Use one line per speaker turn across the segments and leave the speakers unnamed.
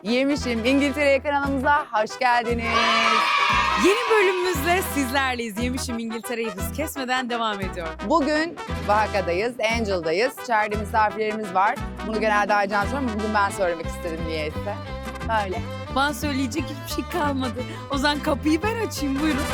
Yemişim İngiltere'ye kanalımıza hoş geldiniz.
Yeni bölümümüzle sizlerleyiz. Yemişim İngiltere'yi hız kesmeden devam ediyor.
Bugün Oaxaca'dayız, Angel'dayız. İçeride misafirlerimiz var. Bunu genelde Aycan soruyor ama bugün ben söylemek istedim niyeyse. Böyle.
Bana söyleyecek hiçbir şey kalmadı. O zaman kapıyı ben açayım, buyurun.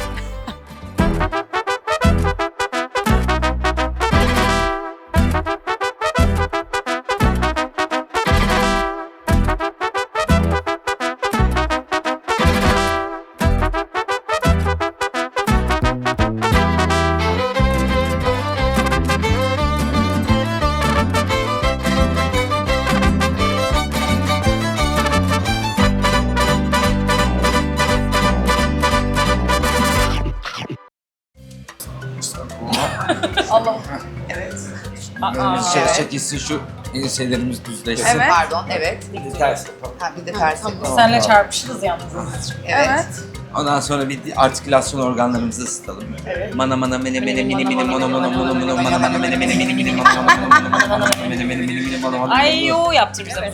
Allah. Evet.
Dışarı çekilsin şu enselerimiz düzleşsin.
Evet. Pardon, evet.
Bir de ters yapalım.
Ha, bir de ters yapalım.
Senle çarpışırız yalnız.
Evet.
Ondan sonra bir artikülasyon organlarımızı ısıtalım. Mana mana mene mene mini mini mono mono mono mono mana mana mene mene mini mini mono mono mono mana mana mene mene mini mini mono mono.
Ay yo yaptır bize.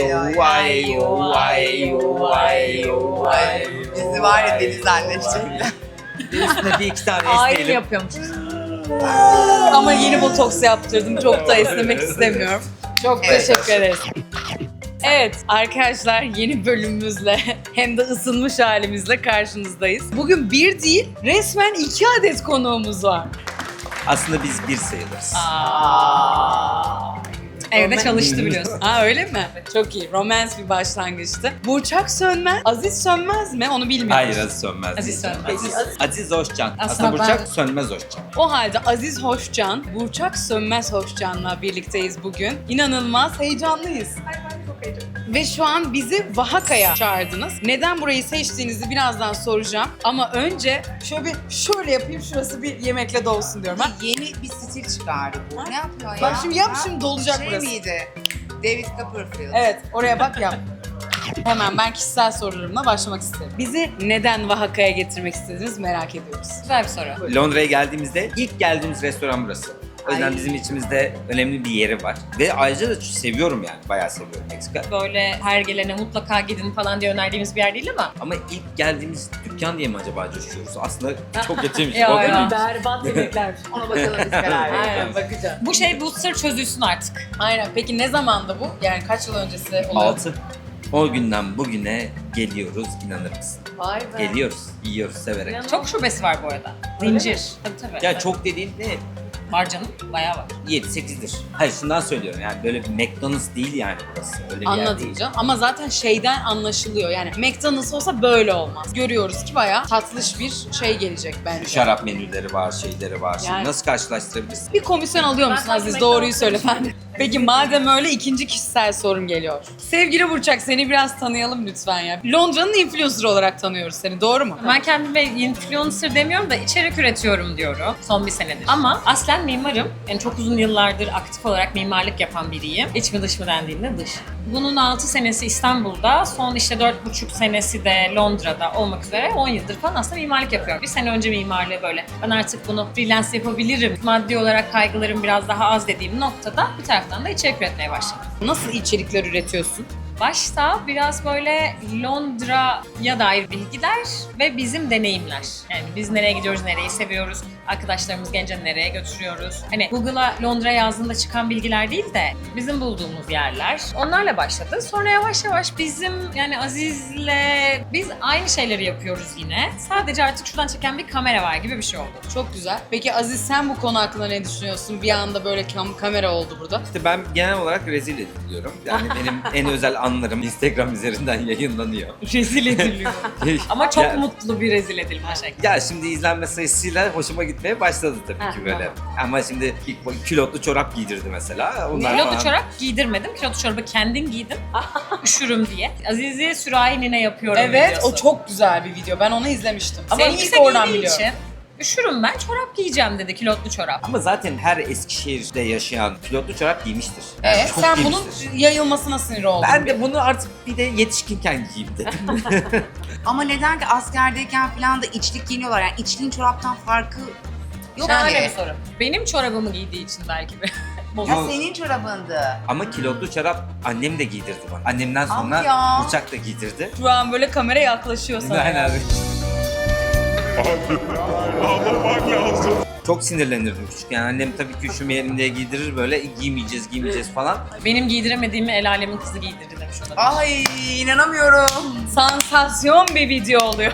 Ay.
Bizi var ya deli zannedecekler.
Üstüne bir iki tane
Ay
esneyelim.
yapıyorum. Ama yeni botoks yaptırdım. Çok da esnemek istemiyorum. Çok teşekkür ederiz.
Evet arkadaşlar, yeni bölümümüzle hem de ısınmış halimizle karşınızdayız. Bugün bir değil, resmen 2 adet konuğumuz var.
Aslında biz bir sayılırız.
Evde çalıştı biliyorsun.
Ha öyle mi? Çok iyi. Romans bir başlangıçtı. Burçak Sönmez, Aziz Sönmez mi? Onu bilmiyorum.
Hayır, Aziz Sönmez.
Aziz
değil.
Sönmez.
Aziz Hoşcan.
Aslında
Aslında Burçak
ben-
Sönmez Hoşcan.
O halde Aziz Hoşcan, Burçak Sönmez Hoşcan'la birlikteyiz bugün. İnanılmaz heyecanlıyız. Ve şu an bizi Oaxaca'ya çağırdınız. Neden burayı seçtiğinizi birazdan soracağım. Ama önce şöyle yapayım, şurası bir yemekle dolsun diyorum. Ha?
Yeni bir stil çıkardı bu. Ne yapıyor ya?
Bak şimdi yap,
Ha?
şimdi dolacak
Şey
burası.
miydi? David Copperfield.
Evet, oraya bak yap. Hemen ben kişisel sorularımla başlamak isterim. Bizi neden Oaxaca'ya getirmek istediniz merak ediyoruz.
Güzel bir soru.
Londra'ya geldiğimizde ilk geldiğimiz restoran burası. O yüzden
Ay.
bizim içimizde önemli bir yeri var. Ve ayrıca da seviyorum yani. Bayağı seviyorum Meksika.
Böyle her gelene mutlaka gidin falan diye önerdiğimiz bir yer değil ama.
Ama ilk geldiğimiz dükkan diye mi acaba coşuyoruz? Aslında çok kötüymüş.
Ya,
O değil
ya.
mi?
Berbat yemekler.
Ona bakalım biz karar verelim.
Aynen, bakacağım.
Bu sır çözülsün artık.
Aynen. Peki ne zamandı bu? Yani kaç yıl öncesi oluyor?
6. O günden bugüne geliyoruz, inanır mısın?
Vay be.
Geliyoruz, yiyoruz severek.
Çok şubesi var bu arada. Zincir. Tabii.
Ya çok dediğin ne?
Var canım. Bayağı var.
7-8'dir. Hayır şundan söylüyorum yani böyle bir McDonald's değil yani burası. Öyle bir yer
Anladım
değil.
canım. Ama zaten şeyden anlaşılıyor. Yani McDonald's olsa böyle olmaz. Görüyoruz ki bayağı tatlış bir şey gelecek bence.
Şarap menüleri var, şeyleri var. Şimdi
Yani-
nasıl karşılaştırabilirsin?
Bir komisyon alıyor musun
Ben
Aziz?
McDonald's
Doğruyu söyle ben. Peki madem öyle, ikinci kişisel sorum geliyor. Sevgili Burçak, seni biraz tanıyalım lütfen ya. Londra'nın influencer olarak tanıyoruz seni, doğru mu?
Ben kendime influencer demiyorum da içerik üretiyorum diyorum son bir senedir. Ama aslen mimarım. Yani çok uzun yıllardır aktif olarak mimarlık yapan biriyim. İç mi dış mı dendiğinde dış. Bunun 6 senesi İstanbul'da, son işte 4,5 senesi de Londra'da olmak üzere 10 yıldır falan aslında mimarlık yapıyorum. Bir sene önce mimarlığı böyle ben artık bunu freelance yapabilirim, maddi olarak kaygılarım biraz daha az dediğim noktada bir taraftan da içerik üretmeye başladım.
Nasıl içerikler üretiyorsun?
Başta biraz böyle Londra'ya dair bilgiler ve bizim deneyimler. Yani biz nereye gidiyoruz, nereyi seviyoruz, arkadaşlarımız Gence nereye götürüyoruz. Hani Google'a Londra yazdığında çıkan bilgiler değil de bizim bulduğumuz yerler. Onlarla başladı. Sonra yavaş yavaş bizim yani Aziz'le biz aynı şeyleri yapıyoruz yine. Sadece artık şuradan çeken bir kamera var gibi bir şey oldu.
Çok güzel. Peki Aziz, sen bu konu hakkında ne düşünüyorsun? Bir anda böyle kamera oldu burada.
İşte ben genel olarak rezil ediliyorum. Yani benim en özel anlarım Instagram üzerinden yayınlanıyor.
Rezil ediliyor.
Ama çok
Ya-
mutlu bir rezil edilme şekli.
Ya şimdi izlenme sayısıyla hoşuma gitmeye başladı tabii ki böyle. Ama şimdi ilk külotlu çorap giydirdi mesela. Onlar
Kilotlu
falan-
çorap giydirmedim. Kilotlu çorabı kendin giydim. Üşürüm diye. Aziz'i sürahi nine yapıyorum
Evet,
videosu.
o çok güzel bir video. Ben onu izlemiştim. Ama
Sevgilisi
ilk oradan
giydiği
biliyorum.
için üşürüm ben, çorap giyeceğim dedi, kilotlu çorap.
Ama zaten her Eskişehir'de yaşayan külotlu çorap giymiştir. Yani çok
Sen bunun
giymiştir.
yayılmasına sinir oldun.
Ben de bunu artık bir de yetişkinken giyeyim dedim.
Ama neden ki askerdeyken falan da içlik giyiniyorlar. Yani içliğin çoraptan farkı yok
Şahane
ki.
bir soru. Benim çorabımı giydiği için belki de.
bozuk.
Ya senin çorabındı.
Ama kilotlu çorap annem de giydirdi bana. Annemden
Ah
sonra
ya.
Burçak da giydirdi.
Şu an böyle kamera yaklaşıyor sana.
Aynen. Çok sinirlenirdim küçükken. Annem tabii ki üşümeyelim diye giydirir böyle giymeyeceğiz falan.
Benim giydiremediğimi el alemin kızı giydirdi demiş olabilir.
Ay inanamıyorum.
Sansasyon bir video oluyor.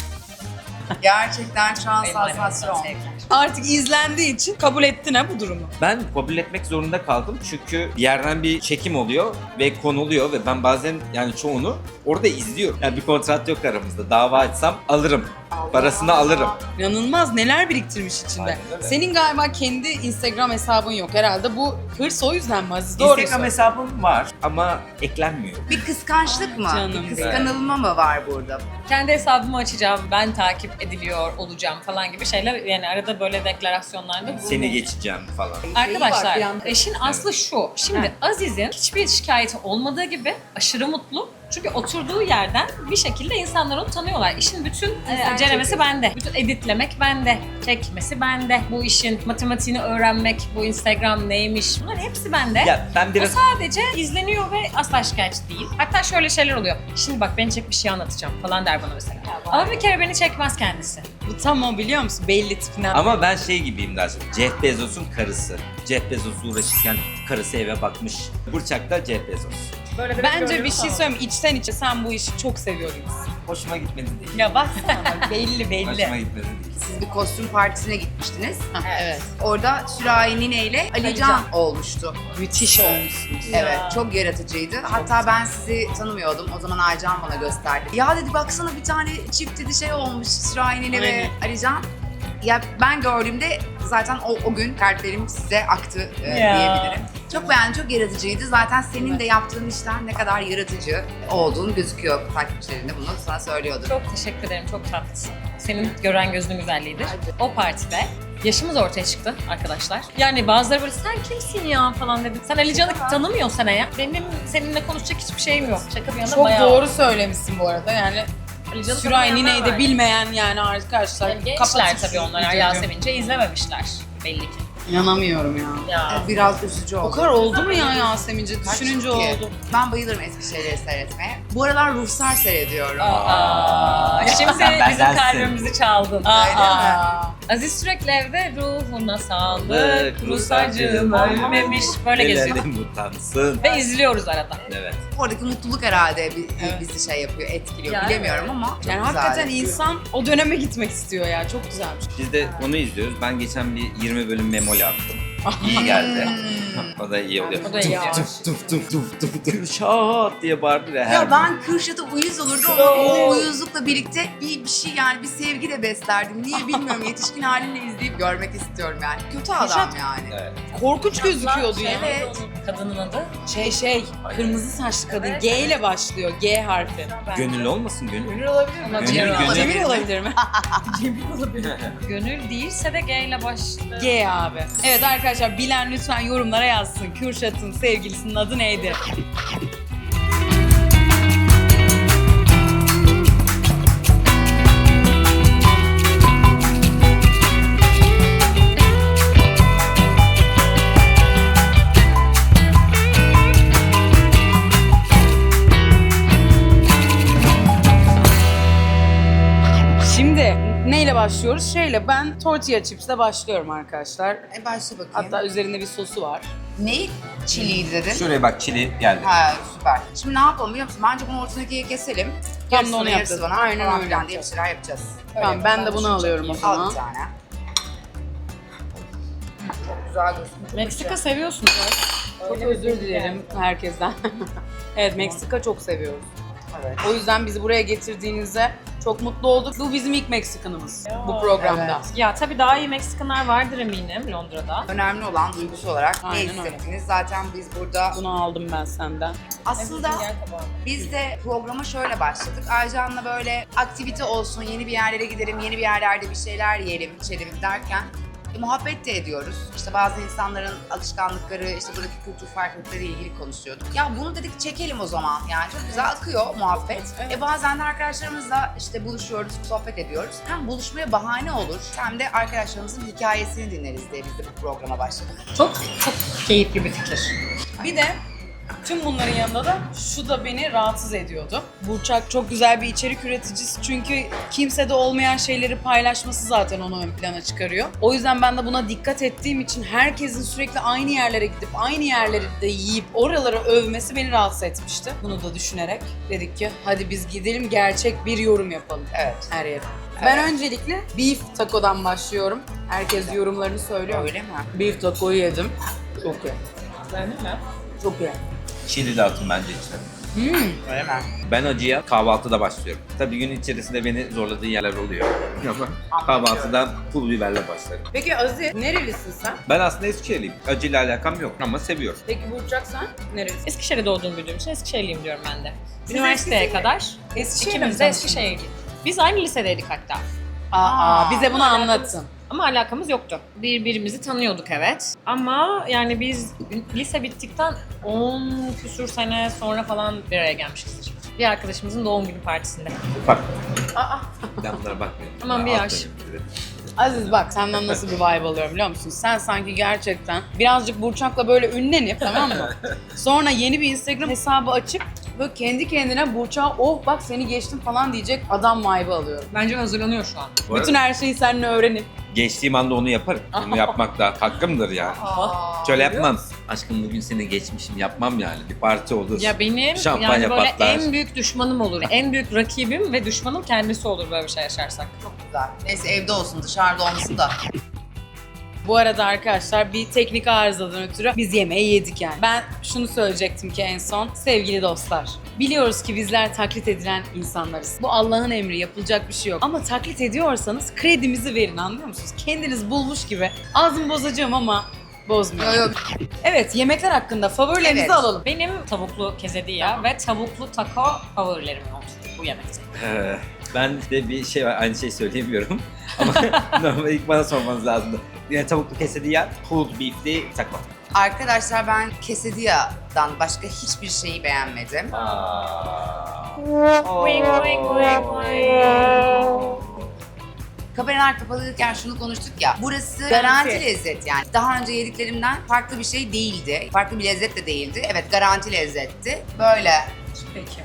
Gerçekten şu an
Benim aramızdan
sansasyon.
sevgiler.
Artık izlendiği için kabul ettin ha bu durumu.
Ben kabul etmek zorunda kaldım çünkü bir yerden bir çekim oluyor ve konuluyor ve ben bazen yani çoğunu orada izliyorum. Yani bir kontrat yok aramızda. Dava açsam alırım. Parasını alırım.
İnanılmaz neler biriktirmiş içinde.
Aynen öyle.
Senin galiba kendi Instagram hesabın yok herhalde. Bu hırs o yüzden mi Aziz? Doğru
Instagram
söyle.
hesabım var ama eklenmiyor.
Bir kıskançlık mı?
Canım
Bir kıskanılma mı var burada?
Kendi hesabımı açacağım, ben takip ediliyor olacağım falan gibi şeyler. Yani arada böyle deklarasyonlarda
Seni geçeceğim falan.
Arkadaşlar,
bir anda.
işin aslı şu. Şimdi Aziz'in hiçbir şikayeti olmadığı gibi aşırı mutlu. Çünkü oturduğu yerden bir şekilde insanlar onu tanıyorlar. İşin bütün ceremesi bende. Bütün editlemek bende. Çekmesi bende. Bu işin matematiğini öğrenmek, bu Instagram neymiş bunların hepsi bende.
Ya ben
O
biraz
sadece izleniyor ve asla şikayetçi değil. Hatta şöyle şeyler oluyor. Şimdi bak beni çek bir şey anlatacağım falan der bana mesela. Ama bir kere beni çekmez kendisi.
Bu tam o biliyor musun? Belli tipinden.
ama ben şey gibiyim daha çok. Jeff Bezos'un karısı. Jeff Bezos'la uğraşırken karısı eve bakmış. Burçak da Jeff Bezos.
Böyle de
Bence bir şey söyleyeyim. İçten içe sen bu işi çok seviyor gibisin.
Hoşuma gitmedi değil.
Ya baksana bak, belli belli.
Hoşuma gitmedi değil.
Siz bir kostüm partisine gitmiştiniz.
Evet.
Orada Sürahi Nine ile Ali Can olmuştu.
Müthiş olmuşsunuz.
Evet, çok yaratıcıydı. Hatta ben sizi tanımıyordum. O zaman Aycan bana gösterdi. Ya dedi baksana bir tane çift dedi şey olmuş Sürahi Nine ve
Aynen.
Ali Can. Ya ben gördüğümde zaten o gün kalplerim size aktı diyebilirim. Çok beğendim, çok yaratıcıydı. Zaten senin de yaptığın işler ne kadar yaratıcı olduğunu gözüküyor takipçilerinde. Bunu sana söylüyordur.
Çok teşekkür ederim, çok tatlısın. Senin gören gözünün güzelliğidir. O partide yaşımız ortaya çıktı arkadaşlar. Yani bazıları böyle sen kimsin ya falan dedi. Sen Ali Can'ı tanımıyorsun ya. Benim seninle konuşacak hiçbir şeyim yok. Şaka bir yana
Çok
bayağı.
doğru söylemişsin bu arada yani.
Ali Can'ı
Sürahi
tanımayanlar
Nine'yi de
var.
bilmeyen yani arkadaşlar.
Yani gençler
kapatın
tabii
şu
onlar.
videoyu.
Yasemince izlememişler belli ki.
İnanamıyorum ya.
Ya.
Biraz üzücü oldu.
O kadar oldu mu ya Yasemince? Düşününce
Kaç ki?
oldu.
Ben bayılırım eski şeyleri seyretmeye. Bu aralar Ruhsar seyrediyorum.
Aa, şimdi bizim
Bendensin.
kalbimizi çaldın.
Aa.
Aziz sürekli evde ruhuna sağlık,
Sağlık,
Ruhsarcığım
Ruhsarcığım
ölmemiş böyle geziyor.
Helalim utansın.
Ve izliyoruz arada.
Evet.
Oradaki mutluluk herhalde bizi şey yapıyor, etkiliyor.
Yani
Bilemiyorum ama çok
Yani
güzel
hakikaten
yapıyor.
insan o döneme gitmek istiyor ya. Çok güzelmiş.
Biz de onu izliyoruz. Ben geçen bir 20 bölüm memoli attım. İyi geldi. O da iyi oluyor.
O da iyi olmuş.
Tuf tuf tuf tuf tuf şahat diye bağırdı ya her
Ya ben Kürşat'a uyuz olurdum ama o uyuzlukla birlikte bir şey yani bir sevgi de beslerdim. Niye bilmiyorum yetişkin halinle izleyip görmek istiyorum yani. Kötü adam
Kürşat-
yani.
Evet.
Korkunç gözüküyordu ya.
Evet.
Kadının adı.
Şey, kırmızı saçlı kadın. G ile başlıyor. G harfi.
Gönüllü olmasın gönül.
Gönül olabilir mi?
Ama
Gönül,
Cemil
gönül.
Cemil olabilir mi?
Gönül değilse de G ile başlıyor.
G abi. Evet arkadaşlar bilen lütfen yorumlara yazsın. Kürşat'ın sevgilisinin adı neydi? Şimdi neyle başlıyoruz? Ben tortilla chips'le başlıyorum arkadaşlar.
Başla bakayım.
Hatta üzerinde bir sosu var.
Ne? Çiliydi dedin.
Şuraya bak çili geldi.
Ha süper. Şimdi ne yapalım biliyor musun? Bence bunu ortadakiye keselim.
Tam da
Yarısı
onu
sana, yarısı
yapacağız.
bana.
Aynen
Falan
öyle
filan diye bir
yapacağız.
şeyler yapacağız.
Tamam ben de bunu alıyorum o
Al
zaman.
bir tane. Çok güzel gözüküyor.
Meksika seviyorsunuz.
Çok özür dilerim herkesten. Evet Meksika çok seviyoruz.
Evet.
O yüzden bizi buraya getirdiğinizde çok mutlu olduk. Bu bizim ilk Meksikanımız bu programda.
Ya tabii daha iyi Meksikanlar vardır eminim Londra'da.
Önemli olan duygusu olarak ne
Aynen öyle.
hissettiniz? Zaten biz burada
Bunu aldım ben senden.
aslında biz de programa şöyle başladık. Aycan'la böyle aktivite olsun, yeni bir yerlere gidelim, yeni bir yerlerde bir şeyler yiyelim, içelim derken Muhabbet de ediyoruz. İşte bazı insanların alışkanlıkları, işte buradaki kültür farklılıkları ile ilgili konuşuyorduk. Ya bunu dedik çekelim o zaman. Yani çok güzel akıyor muhabbet. Bazen de arkadaşlarımızla işte buluşuyoruz, sohbet ediyoruz. Hem buluşmaya bahane olur hem de arkadaşlarımızın hikayesini dinleriz diye biz de bu programa başladık.
Çok çok keyifli bir fikir.
Bir de tüm bunların yanında da şu da beni rahatsız ediyordu. Burçak çok güzel bir içerik üreticisi çünkü kimsede olmayan şeyleri paylaşması zaten onu ön plana çıkarıyor. O yüzden ben de buna dikkat ettiğim için herkesin sürekli aynı yerlere gidip aynı yerleri de yiyip oraları övmesi beni rahatsız etmişti. Bunu da düşünerek dedik ki hadi biz gidelim gerçek bir yorum yapalım.
Evet.
Her yere. Ben öncelikle beef taco'dan başlıyorum. Herkes yorumlarını söylüyor.
Öyle mi?
Beef taco'yu yedim. Çok iyi.
Beğendin mi?
Çok iyi.
Çili de atın bence içine.
Öyle mi?
Ben acıya kahvaltıda başlıyorum. Tabii gün içerisinde beni zorladığı yerler oluyor. Ama kahvaltıdan pul biberle başlarım.
Peki Aziz, nerelisin sen?
Ben aslında Eskişehirliyim. Acıyla alakam yok ama seviyorum.
Peki Burçak sen nerelisin?
Eskişehir'de doğduğum büyüdüğüm için Eskişehirliyim diyorum ben de.
Siz
Üniversiteye
Eskişehir-
kadar
Eskişehir'de
ikimiz de Eskişehirliyiz. Biz aynı lisedeydik hatta.
Bize bunu anlatın.
Ama alakamız yoktu. Birbirimizi tanıyorduk evet. Ama yani biz lise bittikten 10 küsur sene sonra falan bir araya gelmişizdir. Bir arkadaşımızın doğum günü partisinde.
Ufak. Ben bunlara bakmıyorum.
Aman bir
Ben
yaş.
atlarım.
Aziz bak senden nasıl bir vibe alıyorum biliyor musun? Sen sanki gerçekten birazcık Burçak'la böyle ünlenip tamam mı? Sonra yeni bir Instagram hesabı açıp böyle kendi kendine Burçak'a oh bak seni geçtim falan diyecek adam vibe alıyorum.
Bence hazırlanıyor şu an.
Bu arada
Bütün her şeyi seninle öğrenip.
geçtiğim anda onu yaparım. Bunu yapmak da hakkımdır yani. Şöyle yapmam. Aşkım bugün seni geçmişim yapmam yani. Bir parti olur.
Ya benim
Şampanya
yani böyle
patlar.
en büyük düşmanım olur. En büyük rakibim ve düşmanım kendisi olur böyle bir şey yaşarsak.
Çok güzel. Neyse evde olsun, dışarıda olmasın da.
Bu arada arkadaşlar bir teknik arızadan ötürü biz yemeği yedik yani. Ben şunu söyleyecektim ki en son. Sevgili dostlar, biliyoruz ki bizler taklit edilen insanlarız. Bu Allah'ın emri, yapılacak bir şey yok. Ama taklit ediyorsanız kredimizi verin, anlıyor musunuz? Kendiniz bulmuş gibi. Ağzımı bozacağım ama bozmuyor.
Yok.
Evet, yemekler hakkında favorilerinizi
Evet.
alalım.
Benim tavuklu quesadilla ve tavuklu taco favorilerim oldu bu yemekte.
Ben de bir şey var, aynı şeyi söyleyemiyorum. Ama normalde ilk bana sormanız lazımdı. Yine tavuklu quesadilla, pulled beef'li takma.
Arkadaşlar ben quesadilla'dan başka hiçbir şeyi beğenmedim. Kameralar kapalıyken şunu konuştuk ya. Burası garanti lezzet yani. Daha önce yediklerimden farklı bir şey değildi. Farklı bir lezzet de değildi. Evet garanti lezzetti. Böyle.
Peki.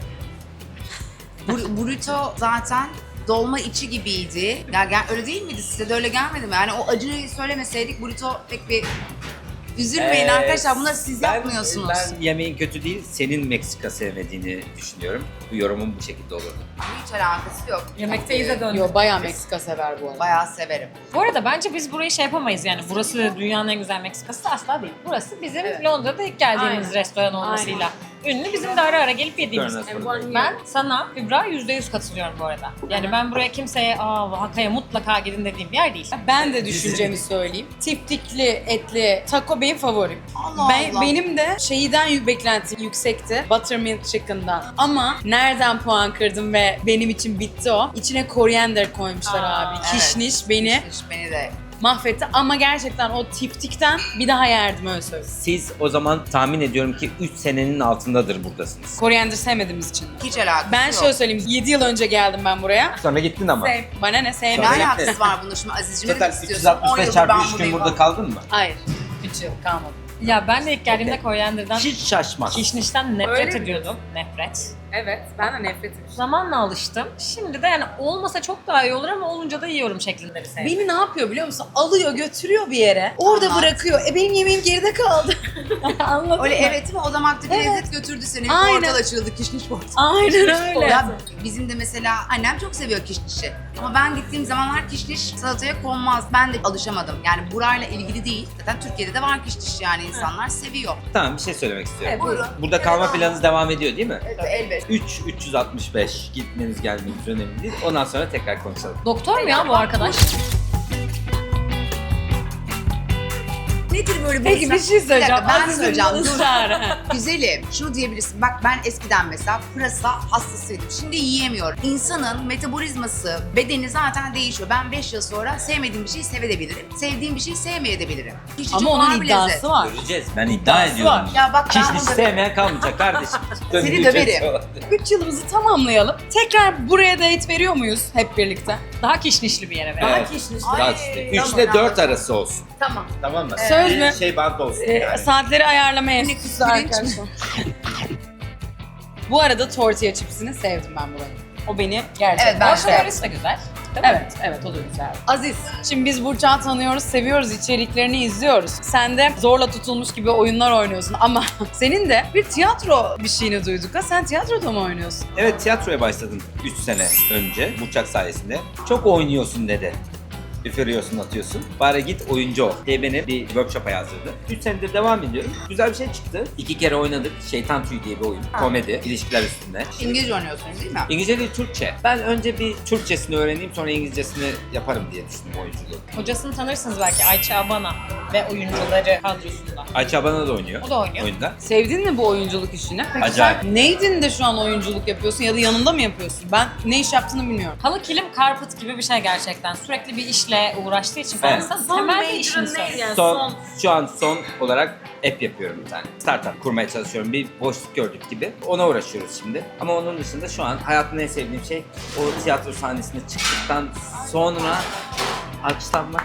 Burrito zaten dolma içi gibiydi. Ya öyle değil miydi? Size de öyle gelmedi mi? Yani o acıyı söylemeseydik burrito pek bir... Üzülmeyin arkadaşlar, bunları siz yapmıyorsunuz.
Ben yemeğin kötü değil, senin Meksika sevmediğini düşünüyorum. Bu yorumum bu şekilde olurdu.
Hiç alakası yok.
Yemekteyiz de döndük.
Yo bayağı Meksika sever bu arada.
Bayağı severim.
Bu arada bence biz burayı şey yapamayız yani burası dünyanın en güzel Meksikası asla değil. Burası bizim Londra'da ilk geldiğimiz
Aynen.
restoran olmasıyla ünlü. Bizim de ara ara gelip yediğimiz.
Turner
Ben sana Kübra %100 katılıyorum bu arada. Yani ben buraya kimseye Oaxaca'ya mutlaka gidin dediğim bir yer değil.
Ben de düşüncemi söyleyeyim. Tiftikli, etli taco benim favorim.
Allah Allah.
Benim de şeyden beklentim yüksekti. Buttermilk chicken'dan. Ama nereden puan kırdım ve benim için bitti o. İçine koriander koymuşlar abi.
evet.
Kişniş beni
Beni de.
mahvetti. Ama gerçekten o tiftikten bir daha yerdim öyle söyleyeyim.
Siz o zaman tahmin ediyorum ki 3 senenin altındadır buradasınız.
Koriander sevmediğimiz için.
Hiç alakası
Ben
yok.
şöyle söyleyeyim. 7 yıl önce geldim ben buraya.
Sonra gittin ama.
Bana ne
Ne
sevmedim.
alakası var bunda şimdi Aziz'cime
Total
demek istiyorsun? 10
365
yıldır
çarpı
ben
3 gün
buradayım.
burada kaldın mı?
Hayır. 3 yıl kalmadım.
Ya ben de ilk geldiğimde korianderden,
Hiç şaşmaz.
kişnişten nefret
Öyle mi?
ediyordum. Nefret.
Evet. Ben de nefret ediyorum.
Zamanla alıştım. Şimdi de yani olmasa çok daha iyi olur ama olunca da yiyorum şeklinde bir sevdim.
Beni ne yapıyor biliyor musun? Alıyor götürüyor bir yere. Orada
Anlat.
bırakıyor. Benim yemeğim geride kaldı. Anladın
Öyle
mı?
evet mi? O damakta bir
Evet.
lezzet götürdü seni.
Aynen.
Portal açıldı, kişniş portal.
Aynen öyle.
Ya bizim de mesela annem çok seviyor kişnişi. Ama ben gittiğim zamanlar kişniş salataya konmaz. Ben de alışamadım. Yani burayla ilgili değil. Zaten Türkiye'de de var kişniş yani insanlar seviyor.
Tamam bir şey söylemek istiyorum.
Buyurun.
Burada kalma planınız devam ediyor değil mi?
Evet, elbette.
365 gitmeniz gelmeniz önemli değil. Ondan sonra tekrar konuşalım.
Doktor mu ya bu arkadaş?
Nedir böyle bu
Peki bir şey söyleyeceğim.
dakika, ben
Aziz'in
söyleyeceğim. Dur.
ısrarı.
Güzelim. Şunu diyebilirsin. Bak ben eskiden mesela pırasa hastasıydım. Şimdi yiyemiyorum. İnsanın metabolizması, bedeni zaten değişiyor. Ben 5 yıl sonra sevmediğim bir şeyi sevebilirim. Sevdiğim bir şeyi sevmeyebilirim. Hiç
Ama
çok
onun
ağır bir lezzet.
iddiası var.
Göreceğiz. Ben iddia
İddiası
ediyorum.
var.
Ya bak ben
Kişniş
bunu
sevmeyen kalmayacak kardeşim.
Seni döverim.
3 yılımızı tamamlayalım. Tekrar buraya date veriyor muyuz hep birlikte?
Daha kişnişli bir yere verelim.
Evet.
Ay,
Daha işte. 3
tamam,
ile 4
anladım.
arası olsun.
Tamam.
Tamam mı?
Söz
Bir
mü?
şey bant olsun yani.
Saatleri ayarlamaya
Yine
enstitüsü
pirinç mi?
arkadaşlar. Bu arada tortilla chipsini sevdim ben buranın. O beni gerçekten
Evet, ben de.
Marshmallow'u da güzel. Değil mi?
Evet, o da güzel. Aziz, şimdi biz Burçak'ı tanıyoruz, seviyoruz, içeriklerini izliyoruz. Sen de zorla tutulmuş gibi oyunlar oynuyorsun ama senin de bir tiyatro bir şeyini duyduk ha. Sen tiyatroda mı oynuyorsun?
Evet, tiyatroya başladım 3 sene önce Burçak sayesinde. Çok oynuyorsun dedi. Üfürüyorsun, atıyorsun. Bari git oyuncu ol diye beni bir workshop'a yazdırdı. 3 senedir devam ediyorum. Güzel bir şey çıktı. 2 kere oynadık. Şeytan Tüyü diye bir oyun. Komedi, ilişkiler üstünde.
İngilizce oynuyorsunuz değil mi?
İngilizce değil, Türkçe. Ben önce bir Türkçesini öğreneyim, sonra İngilizcesini yaparım diye düşündüm oyunculuğu.
Hocasını tanırsınız belki, Ayça Abana ve oyuncuları kadrosunda.
Ayça Abana da oynuyor.
O da oynuyor.
Oyunda.
Sevdin mi bu oyunculuk işini? Peki
Acayip.
sen neydin de şu an oyunculuk yapıyorsun ya da yanında mı yapıyorsun? Ben ne iş yaptığını bilmiyorum.
Halı kilim karput gibi bir şey gerçekten. Sürekli bir işle uğraştığı için
Evet.
insan temel bir işini söylüyor.
Şu an son olarak app yapıyorum bir tane. Startup kurmaya çalışıyorum. Bir boşluk gördük gibi. Ona uğraşıyoruz şimdi. Ama onun dışında şu an hayatımda en sevdiğim şey o tiyatro sahnesine çıktıktan sonra alkışlanmak.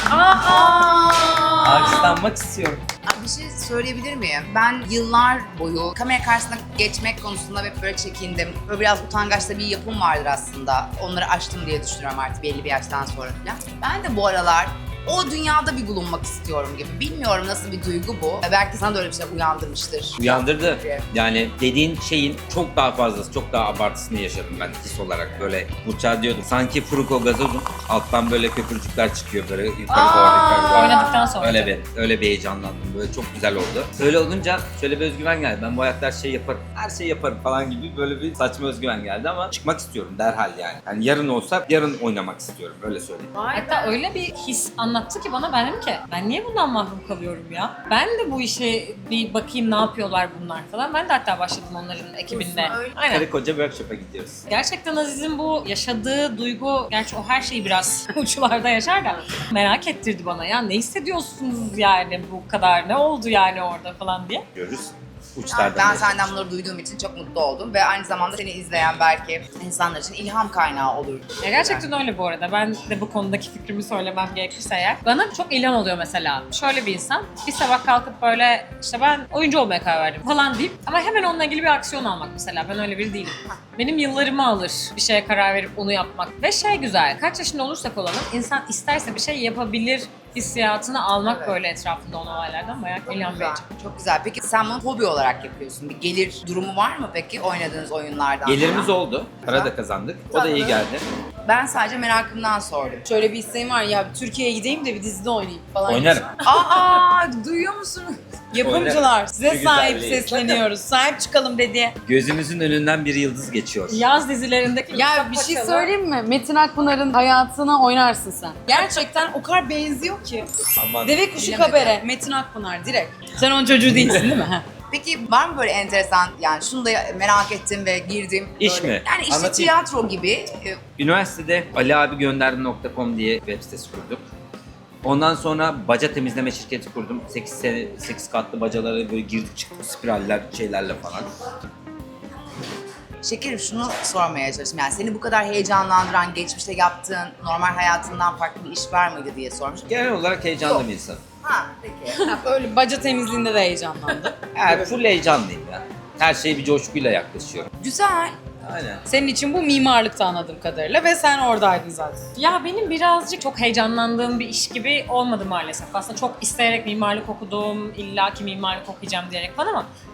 Alkışlanmak istiyorum.
Bir şey söyleyebilir miyim? Ben yıllar boyu kamera karşısına geçmek konusunda hep böyle çekindim. Böyle biraz utangaç da bir yapım vardır aslında. Onları aştım diye düşünüyorum artık belli bir yaştan sonra falan. Ben de bu aralar o dünyada bir bulunmak istiyorum gibi. Bilmiyorum nasıl bir duygu bu. Belki sana da öyle bir şey uyandırmıştır.
Uyandırdı. Yani dediğin şeyin çok daha fazlası, çok daha abartısını yaşadım ben his olarak. Böyle Burçak'a diyordum. Sanki Fruko gazozum. Alttan böyle köpürcükler çıkıyor böyle yukarı doğru yukarı doğru.
Oynadıktan sonra.
Öyle bir heyecanlandım. Böyle çok güzel oldu. Öyle olunca şöyle bir özgüven geldi. Ben bu hayatta her şeyi yaparım. Her şeyi yaparım falan gibi böyle bir saçma özgüven geldi ama çıkmak istiyorum derhal yani. Yani yarın olsa yarın oynamak istiyorum. Öyle söyleyeyim.
Hatta öyle bir his anlattı ki bana, ben dedim ki ben niye bundan mahrum kalıyorum ya? Ben de bu işe bir bakayım ne yapıyorlar bunlar falan. Ben de hatta başladım onların ekibinde. Aynen.
Karı koca workshop'a gidiyoruz.
Gerçekten Aziz'in bu yaşadığı duygu, gerçi o her şeyi biraz uçlarda yaşar da merak ettirdi bana ya. Ne hissediyorsunuz yani bu kadar? Ne oldu yani orada falan diye.
Görürüz.
Yani
Uçlardan
ben
yaşarız.
senden bunları duyduğum için çok mutlu oldum ve aynı zamanda seni izleyen belki insanlar için ilham kaynağı olur.
Ya gerçekten öyle bu arada. Ben de bu konudaki fikrimi söylemem gerekirse eğer. Bana çok ilham oluyor mesela. Şöyle bir insan bir sabah kalkıp böyle işte ben oyuncu olmaya karar verdim falan deyip ama hemen onunla ilgili bir aksiyon almak mesela. Ben öyle biri değilim. Benim yıllarımı alır bir şeye karar verip onu yapmak. Ve şey güzel, kaç yaşında olursak olalım insan isterse bir şey yapabilir hissiyatını almak
Evet.
böyle etrafında olan olaylardan bayağı ilham
Güzel,
verici.
çok güzel. Peki sen bunu hobi olarak yapıyorsun. Bir gelir durumu var mı peki oynadığınız oyunlardan?
Gelirimiz
falan?
oldu. Para da kazandık. O da
Tatlı.
iyi geldi.
Ben sadece merakımdan sordum.
Şöyle bir isteğim var ya Türkiye'ye gideyim de bir dizide oynayayım falan.
Oynarım.
Aa, duyuyor musunuz?
Yapımcılar size
Güzel
sahip
bir-
sesleniyoruz. Sahip çıkalım dedi.
Gözümüzün önünden bir yıldız geçiyor.
Yaz dizilerindeki
Ya bir şey söyleyeyim mi? Metin Akpınar'ın hayatına oynarsın sen. Gerçekten o kadar benziyor ki.
Aman.
Deve kuşu
Bilemedim.
kabere, Metin Akpınar direkt. Sen onun çocuğu değilsin değil mi? Ha.
Peki var mı böyle enteresan, yani şunu da merak ettim ve girdim.
İş
böyle.
mi?
Yani işte
Anlatayım.
tiyatro gibi.
Üniversitede aliabigönderdi.com diye web sitesi kurduk. Ondan sonra baca temizleme şirketi kurdum. 8 katlı bacalara böyle girdik çıktık spiraller şeylerle falan.
Şekerim şunu sormaya çalıştım. Yani seni bu kadar heyecanlandıran, geçmişte yaptığın normal hayatından farklı bir iş var mıydı diye sormuştum.
Genel olarak heyecanlı
Yok.
bir insanım.
Ha peki.
Öyle baca temizliğinde de heyecanlandı.
Yani full heyecanlıyım ya. Her şeye bir coşkuyla yaklaşıyorum.
Güzel.
Aynen.
Senin için bu mimarlıkta anladığım kadarıyla ve sen oradaydın zaten.
Ya benim birazcık çok heyecanlandığım bir iş gibi olmadı maalesef. Aslında çok isteyerek mimarlık okudum, illaki mimarlık okuyacağım diyerek falan ama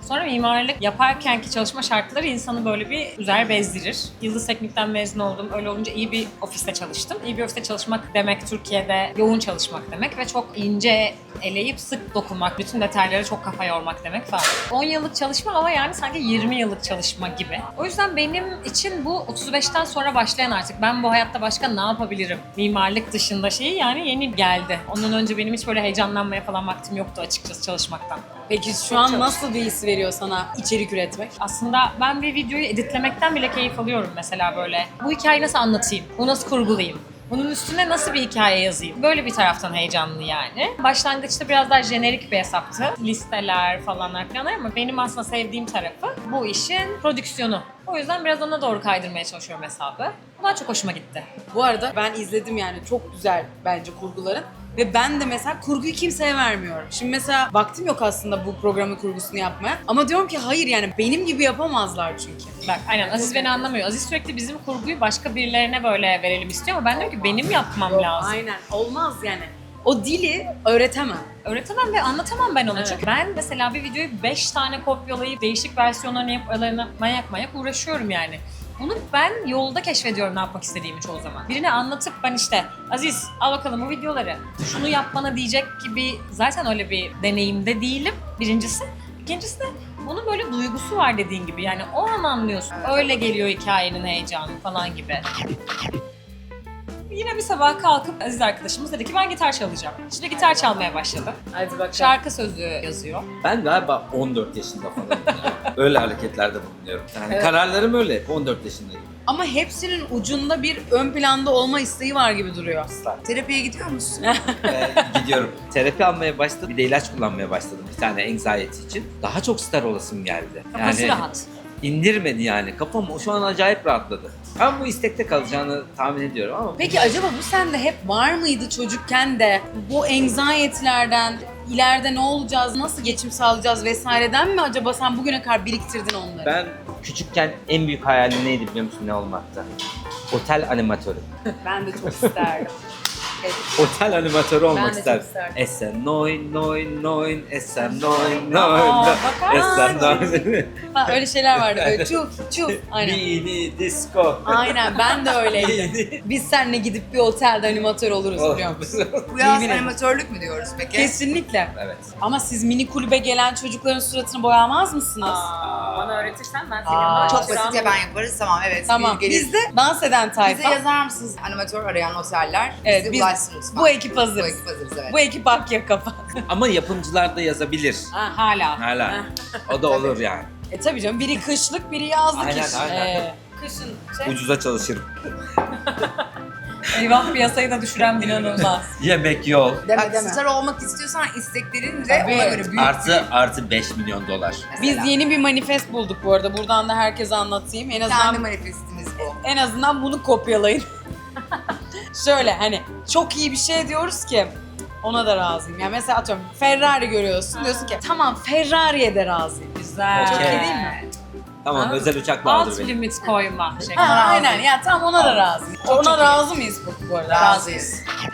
Sonra mimarlık yaparkenki çalışma şartları insanı böyle bir üzer bezdirir. Yıldız Teknik'ten mezun oldum. Öyle olunca iyi bir ofiste çalıştım. İyi bir ofiste çalışmak demek Türkiye'de yoğun çalışmak demek ve çok ince eleyip sık dokunmak, bütün detaylara çok kafa yormak demek falan. 10 yıllık çalışma ama yani sanki 20 yıllık çalışma gibi. O yüzden benim için bu 35'ten sonra başlayan artık ben bu hayatta başka ne yapabilirim? Mimarlık dışında şeyi yani yeni geldi. Ondan önce benim hiç böyle heyecanlanmaya falan vaktim yoktu açıkçası çalışmaktan.
Peki şu an nasıl bir his veriyor sana içerik üretmek?
Aslında ben bir videoyu editlemekten bile keyif alıyorum mesela böyle. Bu hikayeyi nasıl anlatayım? Bunu nasıl kurgulayayım? Bunun üstüne nasıl bir hikaye yazayım? Böyle bir taraftan heyecanlı yani. Başlangıçta biraz daha jenerik bir hesaptı. Listeler falanlar ama benim aslında sevdiğim tarafı bu işin prodüksiyonu. O yüzden biraz ona doğru kaydırmaya çalışıyorum hesabı. Bu daha çok hoşuma gitti.
Bu arada ben izledim yani çok güzel bence kurguların. Ve ben de mesela kurguyu kimseye vermiyorum. Şimdi mesela vaktim yok aslında bu programın kurgusunu yapmaya. Ama diyorum ki hayır yani benim gibi yapamazlar çünkü.
Bak aynen Aziz beni anlamıyor. Aziz sürekli bizim kurguyu başka birilerine böyle verelim istiyor ama ben diyorum ki benim yapmam lazım.
Aynen olmaz yani. O dili öğretemem.
Öğretemem ve anlatamam ben onu.
Evet.
Çünkü ben mesela bir videoyu 5 tane kopyalayıp değişik versiyonlarını yapıp aralarına manyak uğraşıyorum yani. Bunu ben yolda keşfediyorum ne yapmak istediğimi çoğu zaman. Birine anlatıp ben işte Aziz al bakalım bu videoları. Şunu yap bana diyecek gibi zaten öyle bir deneyimde değilim birincisi. İkincisi de bunun böyle duygusu var dediğin gibi. Yani o an anlıyorsun. Öyle geliyor hikayenin heyecanı falan gibi. Yine bir sabah kalkıp Aziz arkadaşımız dedi ki ben gitar çalacağım. Şimdi gitar çalmaya başladı.
Hadi bakalım.
Şarkı sözü yazıyor.
Ben galiba 14 yaşında falan. Öyle hareketlerde bulunuyorum. Yani
Evet.
kararlarım öyle. 14 yaşındayım.
Ama hepsinin ucunda bir ön planda olma isteği var gibi duruyor.
Terapiye gidiyor musun?
Gidiyorum. Terapi almaya başladım. Bir de ilaç kullanmaya başladım. Bir tane anxiety için. Daha çok star olasım geldi.
Kafası rahat.
İndirmedi yani. Kafam şu an acayip rahatladı. Ben bu istekte kalacağını tahmin ediyorum ama
Peki acaba bu sende hep var mıydı çocukken de? Bu anxiety'lerden, ileride ne olacağız, nasıl geçim sağlayacağız vesaireden mi acaba sen bugüne kadar biriktirdin onları?
ben küçükken en büyük hayalim neydi biliyor musun ne olmakta? Otel animatörü.
Ben de çok isterdim.
Otel animatörü
Ben
olmak
de
isterdim.
çok isterdim.
Esen noin noin noin, esen noin
Aa,
noin,
bakar
esen
mısın?
noin.
Ha, öyle şeyler vardı böyle çuf çuf. Aynen.
Bini disco.
Aynen ben de öyleydim.
Bini.
Biz seninle gidip bir otelde animatör oluruz biliyor musun?
Bu yaz
Yemin ederim.
animatörlük mü diyoruz peki?
Kesinlikle.
Evet.
Ama siz mini kulübe gelen çocukların suratını boyamaz mısınız?
Bana öğretirsen ben
Aa,
yanında
Çok
çalışacağım.
basit ya ben yaparız tamam evet.
Tamam.
Gelir.
Biz de dans eden
Bize
tayfa.
yazar mısınız animatör arayan oteller?
Evet,
Bizi
biz-
ulaşsınız.
Bu ekip hazırız.
Bu ekip hazırız evet.
Bu ekip Akyaka.
Ama yapımcılar da yazabilir.
Hala.
Hala. O da olur yani.
Tabii canım biri kışlık biri yazlık
Aynen,
iş.
aynen.
Kışın
Ucuza çalışırım.
Eyvah piyasayı da düşüren inanılmaz.
Yemek yol.
Bak, star olmak istiyorsan isteklerin de
Tabii.
ona göre büyük.
Artı 5 milyon dolar.
Biz yeni bir manifest bulduk bu arada. Buradan da herkese anlatayım. En
kendi
azından
manifestimiz bu.
en azından bunu kopyalayın. Şöyle hani çok iyi bir şey diyoruz ki ona da razıyım. Yani mesela atıyorum Ferrari görüyorsun diyorsun ki tamam Ferrari'ye de razıyım.
Güzel.
Çok
Okey.
iyi değil mi?
Tamam
Ha?
özel uçakla aldır
Alt
beni.
limit koyma şeklinde.
Ha, aynen ya tamam ona da razıyım.
Çok
Ona
iyi.
razı mıyız bu arada?
Razıyız.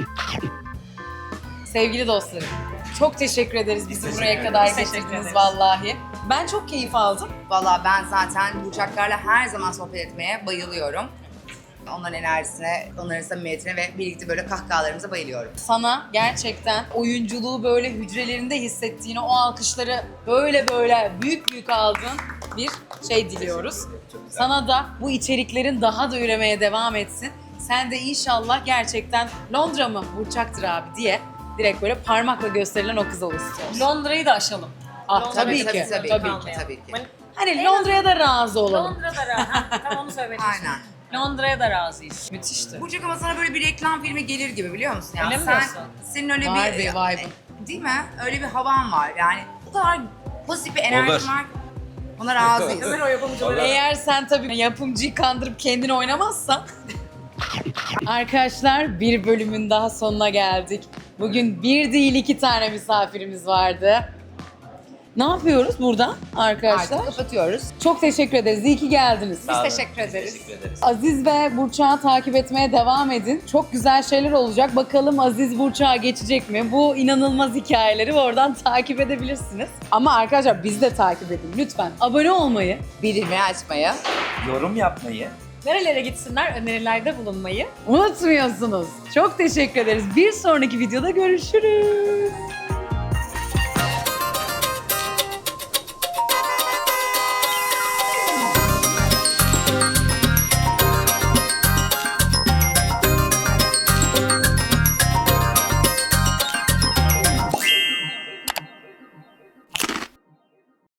Sevgili dostlarım, çok teşekkür ederiz bizi
Teşekkür
buraya
ederiz.
kadar
Biz teşekkür
getirdiniz
ederiz.
vallahi. Ben çok keyif aldım.
Valla ben zaten Burçaklarla her zaman sohbet etmeye bayılıyorum. Onların enerjisine, onların samimiyetine ve birlikte böyle kahkahalarımıza bayılıyorum.
Sana gerçekten oyunculuğu böyle hücrelerinde hissettiğini, o alkışları böyle büyük büyük aldığın bir şey diliyoruz.
Çok güzel.
Sana da bu içeriklerin daha da üremeye devam etsin. Sen de inşallah gerçekten Londra mı Burçak'tır abi diye direkt böyle parmakla gösterilen o kız olur istiyoruz.
Londra'yı da aşalım.
Ah,
Londra-
tabii ki,
tabii
tabii
ki.
Hani Londra'ya da razı olalım.
Londra'da razı. Tam onu söylemek istiyorum.
Aynen.
Londra'ya da razıyız.
Müthişti.
Burçak ama sana böyle bir reklam filmi gelir gibi biliyor musun? Yani
Öyle mi
sen,
diyorsun?
senin öyle
Var
bir...
bir vibe'ın.
Değil mi? Öyle bir havan var yani. O kadar pozitif bir enerjin
Olur.
var. Ona razıyız.
o yapımcıları.
Eğer sen tabii yapımcıyı kandırıp kendini oynamazsan. Arkadaşlar bir bölümün daha sonuna geldik. Bugün bir değil iki tane misafirimiz vardı. Ne yapıyoruz burada arkadaşlar?
Artık kapatıyoruz.
Çok teşekkür ederiz. İyi ki geldiniz.
Biz
Sağ olun.
teşekkür ederiz.
Teşekkür ederiz.
Aziz ve Burçak'ı takip etmeye devam edin. Çok güzel şeyler olacak. Bakalım Aziz Burçak'a geçecek mi? Bu inanılmaz hikayeleri oradan takip edebilirsiniz. Ama arkadaşlar bizi de takip edin lütfen. Abone olmayı,
Bildirimi açmayı.
Yorum yapmayı.
Nerelere gitsinler önerilerde bulunmayı.
unutmuyorsunuz. Çok teşekkür ederiz. Bir sonraki videoda görüşürüz.